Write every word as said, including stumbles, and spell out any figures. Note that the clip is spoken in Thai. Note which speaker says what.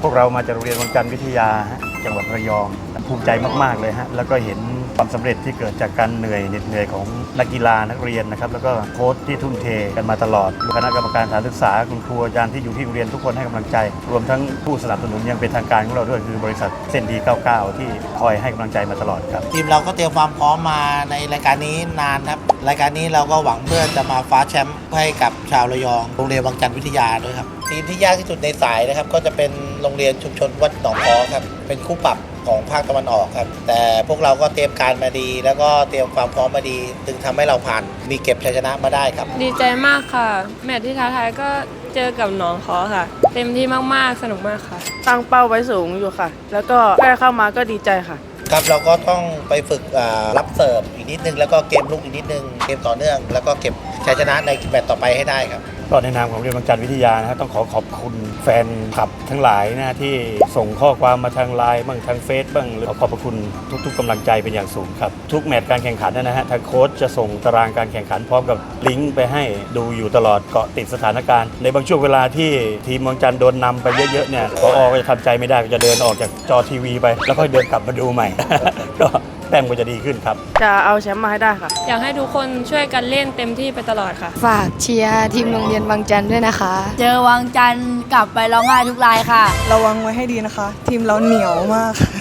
Speaker 1: พวกเรามาจากโรงเรียนวังจันทร์วิทยาจังหวัดระยองภูมิใจมากๆเลยฮะแล้วก็เห็นความสำเร็จที่เกิดจากการเหนื่อยเหน็ดเหนื่อยของนักกีฬานักเรียนนะครับแล้วก็โค้ชที่ทุ่มเทกันมาตลอดคณะกรรมการสถานศึกษาคุณครูอาจารย์ที่อยู่ที่โรงเรียนทุกคนให้กำลังใจรวมทั้งผู้สนับสนุนยังเป็นทางการของเราด้วยคือบริษัทเส้นดีเก้าสิบเก้าที่คอยให้กำลังใจมาตลอดครับ
Speaker 2: ทีมเราก็เตรียมความพร้อมมาในรายการนี้นานครับรายการนี้เราก็หวังเพื่อจะมาคว้าแชมป์ให้กับชาวระยองโรงเรียนวังจันทร์วิทยาด้วยครับทีมที่ยากที่สุดในสายนะครับก็จะเป็นโรงเรียนชุมชนวัดหนองพอครับเป็นคู่ปรับของภาคตะวันออกครับแต่พวกเราก็เตรียมการมาดี แล้วก็เตรียมความพร้อมมาดีจึงทำให้เราผ่านมีเก็บชัยชนะมาได้ครับ
Speaker 3: ดีใจมากค่ะแมตช์ที่ท้าทายก็เจอกับหนองคอค่ะ เต็มที่มากๆสนุกมากค่ะ
Speaker 4: ตั้งเป้าไว้สูงอยู่ค่ะแล้วก็แค่เข้ามาก็ดีใจค่ะ
Speaker 2: ครับเราก็ต้องไปฝึกรับเสิร์ฟอีกนิดนึงแล้วก็เกมลุกอีกนิดนึงเกมต่อเนื่องแล้วก็เก็บชัยชนะในแมตช์ต่อไปให้ได้ครับ
Speaker 1: ก็ในนามของโรงเรียนวังจันทร์วิทยานะครับต้องขอขอบคุณแฟนคลับทั้งหลายนะที่ส่งข้อความมาทางไลน์บ้างทางเฟซบ้างหรือขอบพระคุณทุกๆกำลังใจเป็นอย่างสูงครับทุกแมตช์การแข่งขันนะฮะทางโค้ชจะส่งตารางการแข่งขันพร้อมกับลิงก์ไปให้ดูอยู่ตลอดเกาะติดสถานการณ์ในบางช่วงเวลาที่ทีมวังจันทร์โดนนำไปเยอะๆเนี่ยผอ.ก็จะทำใจไม่ได้ก็จะเดินออกจากจอทีวีไปแล้วค่อยเดินกลับมาดูใหม่ ก็แต้มก็จะดีขึ้นครับ
Speaker 4: จะเอาแชมป์มาให้ได้ค่ะ
Speaker 3: อยากให้ทุกคนช่วยกันเล่นเต็มที่ไปตลอดค่ะ
Speaker 5: ฝากเชียร์ทีมโรงเรียนวังจันทร์ด้วยนะคะ
Speaker 6: เจอวังจันทร์กลับไปร้องไห้ทุกรายค่ะ
Speaker 7: ระวังไว้ให้ดีนะคะทีมเราเหนียวมาก